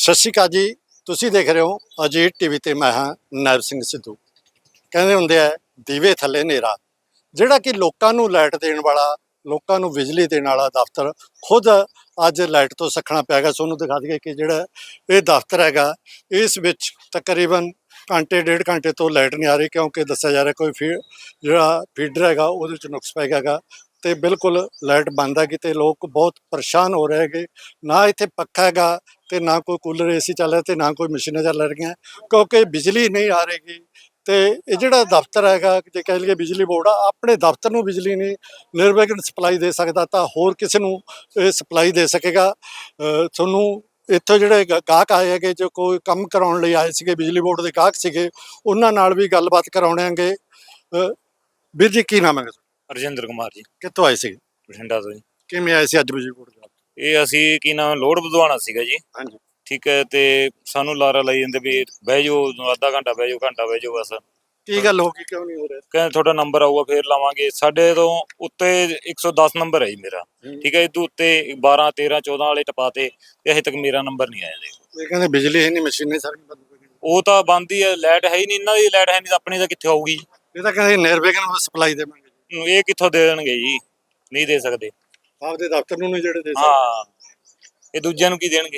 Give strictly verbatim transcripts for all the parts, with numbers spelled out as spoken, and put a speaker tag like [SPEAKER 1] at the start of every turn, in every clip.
[SPEAKER 1] ਸਤਿ ਸ਼੍ਰੀ ਅਕਾਲ ਜੀ। ਤੁਸੀਂ ਦੇਖ ਰਹੇ ਹੋ ਅਜੀਤ ਟੀਵੀ ਤੇ ਮੈਂ ਹਾਂ ਨਾਇਬ ਸਿੰਘ ਸਿੱਧੂ। ਕਹਿੰਦੇ ਹੁੰਦੇ ਆ ਦੀਵੇ ਥੱਲੇ ਹਨੇਰਾ। ਜਿਹੜਾ ਕਿ ਲੋਕਾਂ ਨੂੰ ਲਾਈਟ ਦੇਣ ਵਾਲਾ, ਲੋਕਾਂ ਨੂੰ ਬਿਜਲੀ ਦੇਣ ਵਾਲਾ ਦਫ਼ਤਰ ਖੁਦ ਅੱਜ ਲਾਈਟ ਤੋਂ ਸੱਖਣਾ ਪਿਆ ਗਾ। ਤੁਹਾਨੂੰ ਦਿਖਾ ਦਈਏ ਕਿ ਜਿਹੜਾ ਇਹ ਦਫ਼ਤਰ ਹੈਗਾ, ਇਸ ਵਿੱਚ ਤਕਰੀਬਨ ਘੰਟੇ ਡੇਢ ਘੰਟੇ ਤੋਂ ਲਾਈਟ ਨਹੀਂ ਆ ਰਹੀ, ਕਿਉਂਕਿ ਦੱਸਿਆ ਜਾ ਰਿਹਾ ਕੋਈ ਫੀ ਜਿਹੜਾ ਫੀਡਰ ਹੈਗਾ ਉਹਦੇ 'ਚ ਨੁਕਸ ਪੈ ਗਿਆ ਹੈਗਾ ਤੇ ਬਿਲਕੁਲ ਲਾਈਟ ਬੰਦ ਹੈਗੀ ਤੇ ਲੋਕ ਬਹੁਤ ਪਰੇਸ਼ਾਨ ਹੋ ਰਹੇ ਹੈਗੇ। ਨਾ ਇੱਥੇ ਪੱਖਾ ਹੈਗਾ ਤੇ ਨਾ ਕੋਈ ਕੂਲਰ ਏਸੀ ਚੱਲ ਰਿਹਾ ਤੇ ਨਾ ਕੋਈ ਮਸ਼ੀਨਾਂ ਚੱਲ ਰਹੀਆਂ, ਕਿਉਂਕਿ ਬਿਜਲੀ ਨਹੀਂ ਆ ਰਹੀ। ਤੇ ਇਹ ਜਿਹੜਾ ਦਫ਼ਤਰ ਹੈਗਾ, ਜੇ ਕਹਿ ਲਈਏ ਬਿਜਲੀ ਬੋਰਡ ਆ, ਆਪਣੇ ਦਫ਼ਤਰ ਨੂੰ ਬਿਜਲੀ ਨਹੀਂ ਨਿਰਵਿਘਨ ਸਪਲਾਈ ਦੇ ਸਕਦਾ ਤਾਂ ਹੋਰ ਕਿਸੇ ਨੂੰ ਇਹ ਸਪਲਾਈ ਦੇ ਸਕੇਗਾ। ਤੁਹਾਨੂੰ ਇੱਥੋਂ ਜਿਹੜੇ ਗਾ- ਗਾਹਕ ਆਏ ਹੈਗੇ, ਜੋ ਕੋਈ ਕੰਮ ਕਰਾਉਣ ਲਈ ਆਏ ਸੀਗੇ, ਬਿਜਲੀ ਬੋਰਡ ਦੇ ਗਾਹਕ ਸੀਗੇ, ਉਹਨਾਂ ਨਾਲ ਵੀ ਗੱਲਬਾਤ ਕਰਾਉਣਾਂਗੇ। ਅ, ਵੀਰ ਜੀ ਕੀ ਨਾਮ ਹੈ?
[SPEAKER 2] ਰਜਿੰਦਰ ਕੁਮਾਰ ਜੀ,
[SPEAKER 1] ਕਿੱਥੋਂ ਆਏ ਸੀਗੇ?
[SPEAKER 2] ਬਠਿੰਡਾ ਤੋਂ ਜੀ।
[SPEAKER 1] ਕਿਵੇਂ ਆਏ ਸੀ ਅੱਜ ਬਿਜਲੀ ਬੋਰਡ ਦੇ?
[SPEAKER 2] ਇਹ ਅਸੀਂ ਕੀ ਨਾਮ ਲੋਡ ਵਧਵਾਉਣਾ ਸੀਗਾ ਜੀ।
[SPEAKER 1] ਹਾਂਜੀ।
[SPEAKER 2] ਠੀਕ ਹੈ, ਤੇ ਸਾਨੂੰ ਲਾਰਾ ਲਾਈ ਜਾਂਦੇ ਵੀ ਬਹਿ ਜਾਓ, ਅੱਧਾ ਘੰਟਾ ਬਹਿ ਜਾਓ, ਘੰਟਾ ਬਹਿ ਜਾਓ ਬਸ।
[SPEAKER 1] ਕੀ ਗੱਲ ਹੋ ਗਈ, ਕਿਉਂ ਨਹੀਂ ਹੋ ਰਿਹਾ?
[SPEAKER 2] ਕਹਿੰਦੇ ਤੁਹਾਡਾ ਨੰਬਰ ਆਊਗਾ ਫੇਰ ਲਾਵਾਂਗੇ। ਸਾਡੇ ਤੋਂ ਉੱਤੇ ਇੱਕ ਸੌ ਦਸ ਨੰਬਰ ਹੈ ਜੀ ਮੇਰਾ। ਠੀਕ ਹੈ, ਇਹ ਤੋਂ ਉੱਤੇ ਬਾਰਾਂ ਤੇਰਾਂ ਚੌਦਾਂ ਵਾਲੇ ਟਪਾਤੇ ਤੇ ਅਜੇ ਤੱਕ ਮੇਰਾ ਨੰਬਰ ਨਹੀਂ ਆਇਆ। ਦੇਖੋ
[SPEAKER 1] ਇਹ ਕਹਿੰਦੇ ਬਿਜਲੀ ਹੈ ਨਹੀਂ, ਮਸ਼ੀਨਾਂ ਸਾਰੀਆਂ ਬੰਦ ਹੋ ਗਈਆਂ।
[SPEAKER 2] ਉਹ ਤਾਂ ਬੰਦ ਹੀ ਹੈ, ਲਾਈਟ ਹੈ ਹੀ ਨਹੀਂ। ਇਹਨਾਂ ਦੀ ਲਾਈਟ ਹੈ ਨਹੀਂ ਤਾਂ ਆਪਣੀ ਤਾਂ ਕਿੱਥੇ ਆਊਗੀ?
[SPEAKER 1] ਇਹ ਤਾਂ ਕਹਿੰਦੇ ਨਿਰਵਿਘਨ ਸਪਲਾਈ ਦੇਵਾਂਗੇ।
[SPEAKER 2] ਇਹ ਕਿੱਥੋਂ ਦੇ ਦੇਣਗੇ ਜੀ? ਨਹੀਂ ਦੇ ਸਕਦੇ।
[SPEAKER 1] ਆਪਦੇ ਦਫ਼ਤਰ ਨੂੰ ਨਹੀਂ ਜਿਹੜੇ ਦੇ ਸਕਦੇ।
[SPEAKER 2] ਹਾਂ, ਇਹ ਦੂਜਿਆਂ ਨੂੰ ਕੀ ਦੇਣਗੇ?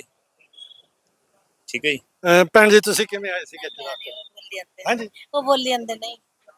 [SPEAKER 2] ਠੀਕ ਹੈ ਜੀ।
[SPEAKER 1] ਅਹ ਭੈਣ ਜੀ ਤੁਸੀਂ ਕਿਵੇਂ ਆਏ ਸੀਗੇ ਇੱਥੇ ਦਫ਼ਤਰ? ਹਾਂਜੀ,
[SPEAKER 3] ਉਹ ਬੋਲੀ ਜਾਂਦੇ ਨਹੀਂ।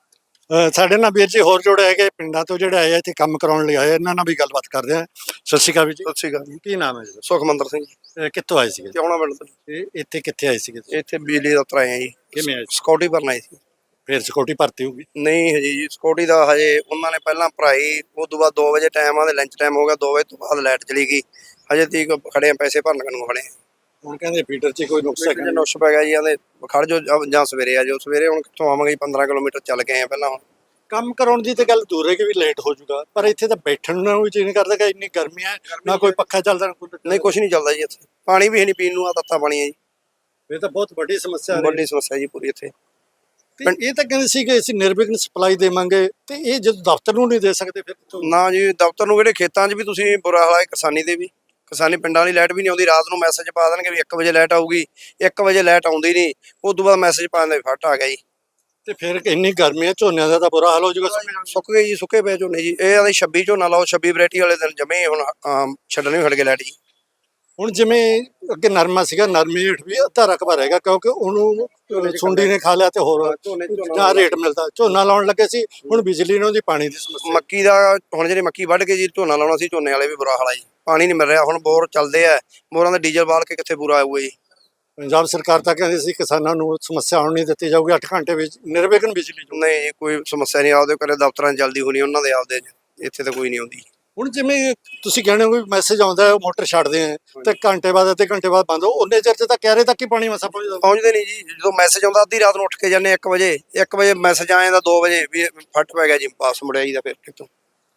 [SPEAKER 1] ਅਹ ਸਾਡੇ ਨਾਲ ਵੀਰ ਜੀ ਹੋਰ ਜੋੜੇ ਹੈਗੇ ਪਿੰਡਾਂ ਤੋਂ, ਜਿਹੜੇ ਆਏ ਆ ਇੱਥੇ ਕੰਮ ਕਰਾਉਣ ਲਈ ਆਏ, ਇਹਨਾਂ ਨਾਲ ਵੀ ਗੱਲਬਾਤ ਕਰਦੇ ਆ। ਸਤਿ ਸ਼੍ਰੀ ਅਕਾਲ ਵੀਰ ਜੀ।
[SPEAKER 4] ਸਤਿ ਸ਼੍ਰੀ ਅਕਾਲ ਜੀ।
[SPEAKER 1] ਕੀ ਨਾਮ ਹੈ ਜੀ?
[SPEAKER 4] ਸੁਖਮੰਦਰ ਸਿੰਘ ਜੀ,
[SPEAKER 1] ਅਹ ਕਿੱਥੋਂ ਆਏ ਸੀਗੇ?
[SPEAKER 4] ਕਿਉਣਾ ਪਿੰਡ ਤੋਂ।
[SPEAKER 1] ਇਹ ਇੱਥੇ ਕਿੱਥੇ ਆਏ ਸੀਗੇ?
[SPEAKER 4] ਇੱਥੇ ਬਿਜਲੀ ਦਫ਼ਤਰ ਆਏ ਆ ਜੀ।
[SPEAKER 1] ਕਿਵੇਂ ਆਏ ਸੀ?
[SPEAKER 4] ਸਿਕਿਉਰਟੀ ਭਰਨ ਆਏ ਸੀ।
[SPEAKER 1] ਫਿਰ ਸਿਕਿਉਰਟੀ ਭਰਤੀ ਹੋਊਗੀ?
[SPEAKER 4] ਨਹੀਂ ਹਜੇ ਜੀ, ਸਿਕਿਉਰਟੀ ਦਾ ਹਜੇ ਉਹਨਾਂ ਨੇ ਪਹਿਲਾਂ ਭਰਾਈ, ਉਸ ਤੋਂ ਬਾਅਦ ਦੋ ਵਜੇ ਟਾਈਮ ਆ ਤੇ ਲੰਚ ਟਾਈਮ ਹੋ ਗਿਆ, ਦੋ ਵਜੇ ਤੋਂ ਬਾਅਦ ਲਾਈਟ ਚਲੀ ਗਈ। ਹਜੇ ਤੀਕ ਖੜੇ ਆ, ਪੈਸੇ ਭਰਨ ਨੂੰ ਖੜੇ ਆ।
[SPEAKER 1] ਹੁਣ ਕਹਿੰਦੇ ਫੀਡਰ 'ਚ ਕੋਈ ਨੁਕਸ ਹੈਗਾ?
[SPEAKER 4] ਨੁਕਸ ਪੈ ਗਿਆ ਜੀ, ਆਂਦੇ ਖੜ ਜੋ ਜਾਂ ਸਵੇਰੇ ਆ ਜਾਓ। ਸਵੇਰੇ ਹੁਣ ਕਿੱਥੋਂ ਆਵਾਂਗੇ ਜੀ, ਪੰਦਰਾਂ ਕਿਲੋਮੀਟਰ ਚੱਲ ਕੇ ਆਏ ਆ ਪਹਿਲਾਂ। ਹੁਣ
[SPEAKER 1] ਕੰਮ ਕਰਾਉਣ ਦੀ ਤੇ ਗੱਲ ਦੂਰ ਹੈ ਕਿ ਵੀ ਲੇਟ ਹੋ ਜਾਊਗਾ, ਪਰ ਇੱਥੇ ਤਾਂ ਬੈਠਣ ਨੂੰ ਵੀ ਜੀ ਨਹੀਂ ਕਰਦਾ ਕਿ ਇੰਨੀ ਗਰਮੀ ਹੈ, ਨਾ ਕੋਈ ਪੱਖਾ ਚੱਲਦਾ ਨਾ ਕੂਲਰ।
[SPEAKER 4] ਨਹੀਂ ਕੁਛ ਨਹੀਂ ਚੱਲਦਾ ਜੀ ਇੱਥੇ। ਪਾਣੀ ਵੀ ਹੈ ਨਹੀਂ ਪੀਣ ਨੂੰ, ਆ ਤੱਤਾ ਪਾਣੀ ਹੈ ਜੀ।
[SPEAKER 1] ਇਹ ਤਾਂ ਬਹੁਤ ਵੱਡੀ ਸਮੱਸਿਆ ਹੈ।
[SPEAKER 4] ਵੱਡੀ ਸਮੱਸਿਆ ਜੀ ਪੂਰੀ ਇੱਥੇ।
[SPEAKER 1] ਤੇ ਇਹ ਤਾਂ ਕਹਿੰਦੇ ਸੀ ਕਿ ਅਸੀਂ ਨਿਰਵਿਘਨ ਸਪਲਾਈ ਦੇਵਾਂਗੇ, ਤੇ ਇਹ ਜਦੋਂ ਦਫ਼ਤਰ ਨੂੰ ਨਹੀਂ ਦੇ ਸਕਦੇ ਫਿਰ ਕਿੱਥੋਂ?
[SPEAKER 4] ਨਾ ਜੀ, ਦਫ਼ਤਰ ਨੂੰ ਕਿਹੜੇ, ਖੇਤਾਂ 'ਚ ਵੀ ਤੁਸੀਂ ਬੁਰਾ ਹਾਲ ਹੈ। ਕਿਸਾਨੀ ਦੇ ਵੀ, ਕਿਸਾਨੀ ਪਿੰਡਾਂ ਵਾਲੀ ਲਾਈਟ ਵੀ ਨਹੀਂ ਆਉਂਦੀ। ਰਾਤ ਨੂੰ ਮੈਸੇਜ ਪਾ ਦੇਣਗੇ ਵੀ ਇੱਕ ਵਜੇ ਲਾਈਟ ਆਊਗੀ, ਇੱਕ ਵਜੇ ਲਾਈਟ ਆਉਂਦੀ ਨਹੀਂ। ਉਸ ਤੋਂ ਬਾਅਦ ਮੈਸੇਜ ਪਾ ਦਿੰਦੇ ਵੀ ਫੱਟ ਆ ਗਿਆ ਜੀ।
[SPEAKER 1] ਤੇ ਫਿਰ ਇੰਨੀ ਗਰਮੀ ਹੈ, ਝੋਨਿਆਂ ਦਾ ਤਾਂ ਬੁਰਾ ਹਾਲ ਹੋ ਜਾਊਗਾ।
[SPEAKER 4] ਸੁੱਕ ਗਏ ਜੀ, ਸੁੱਕੇ ਪਏ ਝੋਨੇ ਜੀ। ਇਹ ਆਦੇ ਛੱਬੀ ਝੋਨਾ ਲਾਓ, ਛੱਬੀ ਵੈਰਾਈਟੀ ਵਾਲੇ ਦਿਨ ਜਮੇ ਹੁਣ ਆਮ ਛੱਡਣੇ ਵੀ ਹਟ ਗਏ ਲਾਈਟ ਜੀ।
[SPEAKER 1] ਹੁਣ ਜਿਵੇਂ ਅੱਗੇ ਨਰਮਾ ਸੀਗਾ, ਨਰਮੇ ਹੇਠ ਵੀ ਅੱਧਾ ਰਕਬਾ ਰਹੇਗਾ, ਕਿਉਂਕਿ ਉਹਨੂੰ ਸੁੰਡੀ ਨੇ ਖਾ ਲਿਆ ਤੇ ਹੋਰ ਜਾਂ ਰੇਟ ਮਿਲਦਾ। ਝੋਨਾ ਲਾਉਣ ਲੱਗੇ ਸੀ, ਹੁਣ ਬਿਜਲੀ ਨੇ ਉਹਦੀ ਪਾਣੀ ਦੀ ਸਮੱਸਿਆ।
[SPEAKER 4] ਮੱਕੀ ਦਾ ਹੁਣ ਜਿਹੜੇ ਮੱਕੀ ਵੱਢ ਕੇ ਜੀ ਝੋਨਾ ਲਾਉਣਾ ਸੀ, ਝੋਨੇ ਵਾਲੇ ਵੀ ਬੁਰਾ ਹਾਲ ਆ ਜੀ। ਪਾਣੀ ਨਹੀਂ ਮਿਲ ਰਿਹਾ। ਹੁਣ ਬੋਰ ਚੱਲਦੇ ਆ, ਬੋਰਾਂ ਦਾ ਡੀਜ਼ਲ ਬਾਲ ਕੇ ਕਿੱਥੇ ਪੂਰਾ ਆਊਗਾ ਜੀ।
[SPEAKER 1] ਪੰਜਾਬ ਸਰਕਾਰ ਤਾਂ ਕਹਿੰਦੀ ਸੀ ਕਿਸਾਨਾਂ ਨੂੰ ਸਮੱਸਿਆ ਆਉਣ ਨਹੀਂ ਦਿੱਤੀ ਜਾਊਗੀ, ਅੱਠ ਘੰਟੇ ਵਿੱਚ ਨਿਰਵਿਘਨ ਬਿਜਲੀ।
[SPEAKER 4] ਨਹੀਂ ਜੀ, ਕੋਈ ਸਮੱਸਿਆ ਨਹੀਂ। ਆਪਦੇ ਘਰੇ ਦਫ਼ਤਰਾਂ 'ਚ ਜਲਦੀ ਹੋਣੀ, ਉਹਨਾਂ ਦੇ ਆਪਦੇ 'ਚ। ਇੱਥੇ ਤਾਂ ਕੋਈ ਨਹੀਂ ਆਉਂਦੀ।
[SPEAKER 1] ਹੁਣ ਜਿਵੇਂ ਤੁਸੀਂ ਕਹਿੰਦੇ ਹੋ ਵੀ ਮੈਸੇਜ ਆਉਂਦਾ ਹੈ, ਮੋਟਰ ਛੱਡਦੇ ਆ ਤੇ ਘੰਟੇ ਬਾਅਦ ਅੱਧੇ ਘੰਟੇ ਬਾਅਦ ਬੰਦ ਹੋ, ਉਹਨੇ ਚਿਰ 'ਚ ਤਾਂ ਕਹਿ ਰਹੇ ਤੱਕ ਹੀ ਪਾਣੀ ਮਸਾ ਪਹੁੰਚਦਾ।
[SPEAKER 4] ਪਹੁੰਚਦੇ ਨਹੀਂ ਜੀ। ਜਦੋਂ ਮੈਸੇਜ ਆਉਂਦਾ ਅੱਧੀ ਰਾਤ ਨੂੰ ਉੱਠ ਕੇ ਜਾਂਦੇ ਇੱਕ ਵਜੇ, ਇੱਕ ਵਜੇ ਮੈਸੇਜ ਆ ਜਾਂਦਾ, ਦੋ ਵਜੇ ਵੀ ਫੱਟ ਪੈ ਗਿਆ ਜੀ, ਵਾਪਸ ਮੁੜਿਆ ਜੀ ਦਾ। ਫਿਰ ਕਿਤੋਂ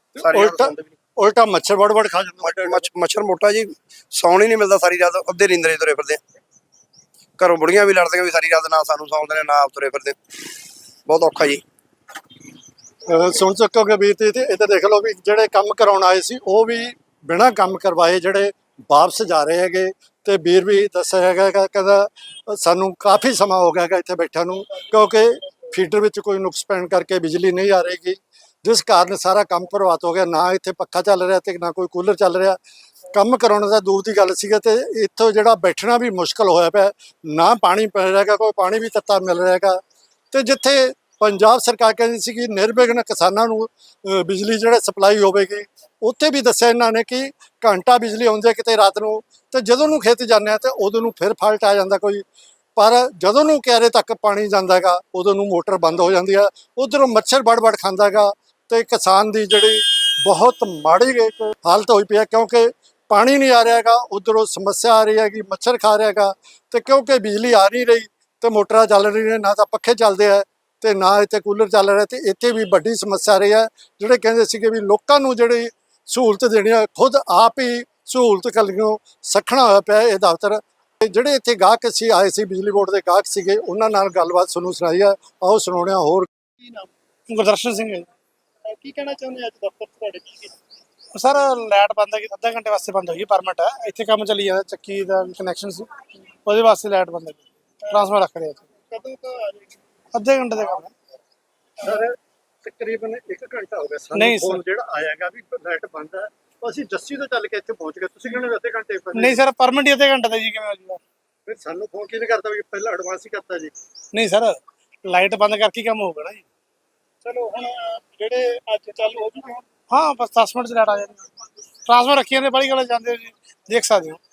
[SPEAKER 1] ਉਲਟਾ ਉਲਟਾ ਮੱਛਰ ਵੜ ਵੜ ਖਾ ਜਾਂਦਾ।
[SPEAKER 4] ਮੱਛਰ ਮੋਟਾ ਜੀ, ਸੌਣ ਹੀ ਨਹੀਂ ਮਿਲਦਾ ਸਾਰੀ ਰਾਤ। ਅੱਧੇ ਨੀਂਦਰੇ ਤੁਰੇ ਫਿਰਦੇ ਆ। ਘਰੋਂ ਬੁੜੀਆਂ ਵੀ ਲੜਦੀਆਂ ਵੀ ਸਾਰੀ ਰਾਤ ਨਾ ਸਾਨੂੰ ਸੌਂਦੇ ਨੇ, ਨਾ ਆਪ ਤੁਰੇ ਫਿਰਦੇ। ਬਹੁਤ ਔਖਾ ਜੀ।
[SPEAKER 1] ਸੁਣ ਸਕੋਗੇ ਵੀਰ ਤੇ ਇਹ ਤਾਂ ਦੇਖ ਲਓ ਵੀ ਜਿਹੜੇ ਕੰਮ ਕਰਾਉਣ ਆਏ ਸੀ ਉਹ ਵੀ ਬਿਨਾਂ ਕੰਮ ਕਰਵਾਏ ਜਿਹੜੇ ਵਾਪਸ ਜਾ ਰਹੇ ਹੈਗੇ। ਤੇ ਵੀਰ ਵੀ ਦੱਸਿਆ ਹੈਗਾ, ਕਹਿੰਦਾ ਸਾਨੂੰ ਕਾਫੀ ਸਮਾਂ ਹੋ ਗਿਆ ਹੈਗਾ ਇੱਥੇ ਬੈਠਿਆਂ ਨੂੰ, ਕਿਉਂਕਿ ਫੀਡਰ ਵਿੱਚ ਕੋਈ ਨੁਕਸ ਪੈਣ ਕਰਕੇ ਬਿਜਲੀ ਨਹੀਂ ਆ ਰਹੀ, ਜਿਸ ਕਾਰਨ ਸਾਰਾ ਕੰਮ ਪ੍ਰਭਾਵਿਤ ਹੋ ਗਿਆ। ਨਾ ਇੱਥੇ ਪੱਖਾ ਚੱਲ ਰਿਹਾ ਤੇ ਨਾ ਕੋਈ ਕੂਲਰ ਚੱਲ ਰਿਹਾ। ਕੰਮ ਕਰਾਉਣ ਦਾ ਦੂਰ ਦੀ ਗੱਲ ਸੀਗਾ ਤੇ ਇੱਥੋਂ ਜਿਹੜਾ ਬੈਠਣਾ ਵੀ ਮੁਸ਼ਕਲ ਹੋਇਆ ਪਿਆ। ਨਾ ਪਾਣੀ ਪੈ ਰਿਹਾ, ਕੋਈ ਪਾਣੀ ਵੀ ਤੱਤਾ ਮਿਲ ਰਿਹਾ ਹੈਗਾ। ਤੇ ਜਿੱਥੇ ਪੰਜਾਬ ਸਰਕਾਰ ਕਹਿੰਦੀ ਸੀ ਕਿ ਨਿਰਵਿਘਨ ਕਿਸਾਨਾਂ ਨੂੰ ਬਿਜਲੀ ਜਿਹੜਾ ਸਪਲਾਈ ਹੋਵੇਗੀ, ਉੱਥੇ ਵੀ ਦੱਸਿਆ ਇਹਨਾਂ ਨੇ ਕਿ ਘੰਟਾ ਬਿਜਲੀ ਆਉਂਦੀ ਹੈ ਕਿਤੇ ਰਾਤ ਨੂੰ, ਤੇ ਜਦੋਂ ਨੂੰ ਖੇਤ ਜਾਂਦੇ ਆ ਤੇ ਉਦੋਂ ਨੂੰ ਫਿਰ ਫਾਲਟ ਆ ਜਾਂਦਾ ਕੋਈ। ਪਰ ਜਦੋਂ ਨੂੰ ਕਿਆਰੇ ਤੱਕ ਪਾਣੀ ਜਾਂਦਾ ਹੈਗਾ, ਉਦੋਂ ਨੂੰ ਮੋਟਰ ਬੰਦ ਹੋ ਜਾਂਦੀ ਹੈ। ਉੱਧਰੋਂ ਮੱਛਰ ਵੜ ਵੜ ਖਾਂਦਾ ਹੈਗਾ ਤੇ ਕਿਸਾਨ ਦੀ ਜਿਹੜੀ ਬਹੁਤ ਮਾੜੀ ਹਾਲਤ ਹੋਈ ਪਈ ਹੈ, ਕਿਉਂਕਿ ਪਾਣੀ ਨਹੀਂ ਆ ਰਿਹਾ ਹੈਗਾ, ਉੱਧਰੋਂ ਸਮੱਸਿਆ ਆ ਰਹੀ ਹੈਗੀ, ਮੱਛਰ ਖਾ ਰਿਹਾ ਹੈਗਾ। ਤੇ ਕਿਉਂਕਿ ਬਿਜਲੀ ਆ ਨਹੀਂ ਰਹੀ ਤੇ ਮੋਟਰਾਂ ਚੱਲ ਰਹੀਆਂ, ਨਾ ਤਾਂ ਪੱਖੇ ਚੱਲਦੇ ਹੈ ਤੇ ਨਾ ਇੱਥੇ ਕੂਲਰ ਚੱਲ ਰਿਹਾ। ਤੇ ਇੱਥੇ ਵੀ ਵੱਡੀ ਸਮੱਸਿਆ ਆ ਰਹੀ ਹੈ। ਜਿਹੜੇ ਕਹਿੰਦੇ ਸੀਗੇ ਵੀ ਲੋਕਾਂ ਨੂੰ ਜਿਹੜੀ ਸਹੂਲਤ ਦੇਣੀ ਹੈ, ਖੁਦ ਆਪ ਹੀ ਸਹੂਲਤ ਕਲੀਓ ਸੱਖਣਾ ਹੋਇਆ ਪਿਆ ਇਹ ਦਫ਼ਤਰ। ਜਿਹੜੇ ਇੱਥੇ ਗਾਹਕ ਸੀ ਆਏ ਸੀ, ਬਿਜਲੀ ਬੋਰਡ ਦੇ ਗਾਹਕ ਸੀਗੇ, ਉਹਨਾਂ ਨਾਲ ਗੱਲਬਾਤ ਤੁਹਾਨੂੰ ਸੁਣਾਈ ਹੈ। ਆਓ ਸੁਣਾਉਂਦੇ ਹਾਂ। ਹੋਰ
[SPEAKER 5] ਕੀ ਨਾਮ? ਗੁਰਦਰਸ਼ਨ ਸਿੰਘ ਹੈ।
[SPEAKER 1] ਕੀ ਕਹਿਣਾ ਚਾਹੁੰਦੇ ਅੱਜ ਦਫ਼ਤਰ ਤੁਹਾਡੇ?
[SPEAKER 5] ਸਰ ਲਾਈਟ ਬੰਦ ਹੈ, ਅੱਧਾ ਘੰਟੇ ਵਾਸਤੇ ਬੰਦ ਹੋਈ, ਪਰਮਿਟ ਹੈ। ਇੱਥੇ ਕੰਮ ਚੱਲੀ ਜਾਂਦਾ, ਚੱਕੀ ਦਾ ਕਨੈਕਸ਼ਨ ਸੀ। ਉਹਦੇ ਵਾਸਤੇ ਲਾਈਟ ਬੰਦ ਕੀਤੀ ਟਰਾਂਸਫਾਰਮਰ ਰੱਖ ਰਿਹਾ
[SPEAKER 1] ਕਦੋਂ ਤੋਂ ਆ ਜਾਏਗੀ
[SPEAKER 5] ਅੱਧੇ ਘੰਟੇ ਦਾ ਕੰਮ ਹੈ
[SPEAKER 1] ਸਰ? ਤਕਰੀਬਨ ਇੱਕ ਘੰਟਾ ਹੋ ਗਿਆ ਸਾਨੂੰ
[SPEAKER 5] ਨਹੀਂ
[SPEAKER 1] ਫੋਨ
[SPEAKER 5] ਸਰ।
[SPEAKER 1] ਜਿਹੜਾ ਆਇਆਗਾ ਵੀ ਲਾਈਟ ਬੰਦ ਹੈ। ਅਸੀਂ ਜੱਸੀ ਤੋਂ ਚੱਲ ਕੇ ਇੱਥੇ ਪਹੁੰਚ ਗਏ, ਤੁਸੀਂ ਕਹਿੰਦੇ ਅੱਧੇ ਘੰਟੇ ਪਹਿਲੇ।
[SPEAKER 5] ਨਹੀਂ ਸਰ ਪਰਮਿਟ ਹੀ ਅੱਧੇ ਘੰਟੇ ਦਾ ਜੀ ਕਿਵੇਂ ਹੋ ਜੂਗਾ?
[SPEAKER 1] ਫਿਰ ਸਾਨੂੰ ਫੋਨ ਕਿਹਨੇ ਕਰਤਾ ਵੀ ਪਹਿਲਾਂ ਐਡਵਾਂਸ ਹੀ ਕਰਤਾ ਜੀ?
[SPEAKER 5] ਨਹੀਂ ਸਰ ਲਾਈਟ ਬੰਦ ਕਰਕੇ ਹੀ ਕੰਮ ਹੋਊਗਾ ਨਾ ਜੀ।
[SPEAKER 1] ਚਲੋ ਹੁਣ ਜਿਹੜੇ ਅੱਜ ਚਾਲੂ ਹੋ ਚੁੱਕੇ
[SPEAKER 5] ਹਾਂ ਬਸ ਦਸ ਮਿੰਟ ਚ ਲਾਈਟ ਆ ਜਾਂਦੀ ਟਰਾਂਸਫਾਰਮਰ ਰੱਖੀਆਂ ਨੇ ਬੜੀ ਗੱਲ ਜਾਂਦੇ ਹੋ ਜੀ ਦੇਖ ਸਕਦੇ ਹੋ